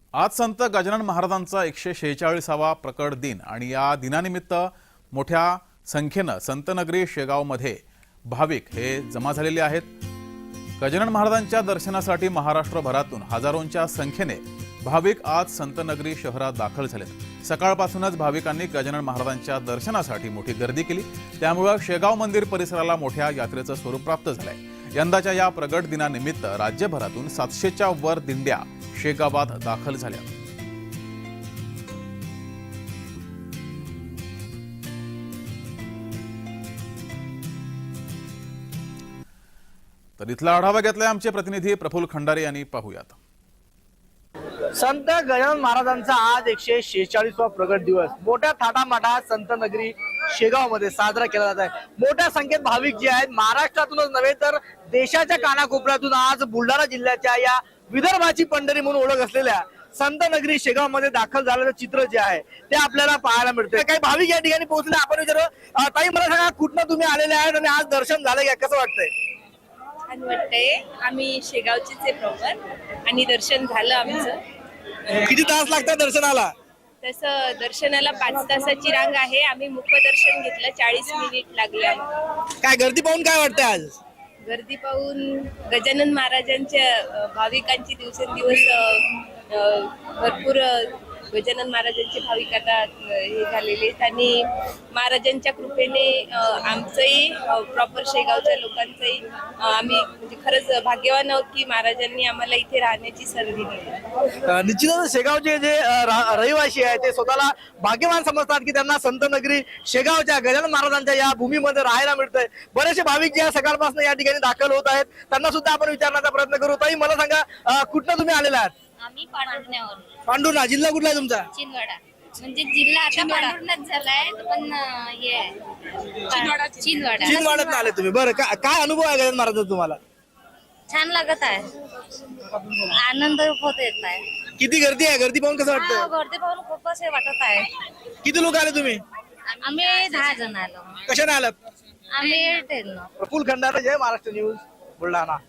आज संत गजानन महाराजांचा 146वा प्रकट दिन आणि या दिनानिमित्त मोठ्या संख्येने संतनगरी शेगावमध्ये भाविक हे जमा झालेले आहेत। गजानन महाराजांच्या दर्शनासाठी महाराष्ट्रभरातून हजारोंच्या संख्येने भाविक आज संतनगरी शहरात दाखल झालेत। सकाळपासूनच भाविकांनी गजानन महाराजांच्या दर्शनासाठी मोठी गर्दी केली, त्यामुळे शेगाव मंदिर परिसराला मोठ्या यात्रेचं स्वरूप प्राप्त झालंय। यंदाच्या या प्रगट दिनानिमित्त राज्यभरातून 700च्या वर दिंड्या शेगावात दाखल झाल्या। तर इथला आढावा घेतलाय आमचे प्रतिनिधी प्रफुल्ल खंडारे यांनी। पाहूयात। संत गजानन महाराजांचा आज 146वा प्रगट दिवस मोठ्या थाटामाटात संतनगरी शेगाव मध्ये साजरा केला जात आहे। मोठ्या संख्येत भाविक जे आहेत महाराष्ट्रातूनच नव्हे तर देशाच्या कानाकोपऱ्यातून आज बुलढाणा जिल्ह्याच्या या विदर्भाची पंढरी म्हणून ओळख असलेल्या संतनगरी शेगाव मध्ये दाखल झालेलं चित्र जे आहे ते आपल्याला पाहायला मिळते। काही भाविक या ठिकाणी पोहोचले, आपण विचारू ताई, मला सांगा कुठनं तुम्ही आलेले आहेत आणि आज दर्शन झालं का, कसं वाटतंय? छान वाटतंय। आम्ही शेगावचेच आहे प्रॉपर आणि दर्शन झालं आमचं। किती तास लागतात दर्शनाला? तसं दर्शनाला 5 तासाची रांग आहे। आम्ही मुखदर्शन घेतलं, 40 मिनिट लागले आम्हाला। काय गर्दी पाहून काय वाटतंय आज? गर्दी पाहून गजानन महाराजांच्या भाविकांची दिवसेंदिवस भरपूर गजानन महाराजांचे भाविक आता हे झालेले आहेत आणि महाराजांच्या कृपेने आमचंही प्रॉपर शेगावच्या लोकांचंही आम्ही म्हणजे खरंच भाग्यवान आहोत की महाराजांनी आम्हाला इथे राहण्याची संधी दिली। निश्चितच शेगावचे जे रहिवासी आहेत ते स्वतःला भाग्यवान समजतात की त्यांना संतनगरी शेगावच्या गजानन महाराजांच्या या भूमीमध्ये राहायला मिळतंय। बरेचसे भाविक जे सकाळपासून या ठिकाणी दाखल होत आहेत, त्यांना सुद्धा आपण विचारण्याचा प्रयत्न करू। ताई, मला सांगा कुठनं तुम्ही आलेला आहात? आम्ही पांढुरण्यावर। पांढुर्णा जिल्हा कुठला आहे तुमचा? चिंचवडा। म्हणजे जिल्हा आता पांढुरण्यात झालाय पण हे चिंचवड्यात आले तुम्ही। बरं, काय अनुभव आहे गजानन महाराजांचा तुम्हाला? छान लागत आहे, आनंद होत येत आहे। किती गर्दी आहे? गर्दी पाहून कसं वाटतं? गर्दी पाहून खूपच हे वाटत आहे। किती लोक आले तुम्ही? आम्ही 10 जण आलो। कशाने आलात? आम्ही ट्रेननं। प्रफुल्ल खंडारे, जय महाराष्ट्र न्यूज, बुलढाणा।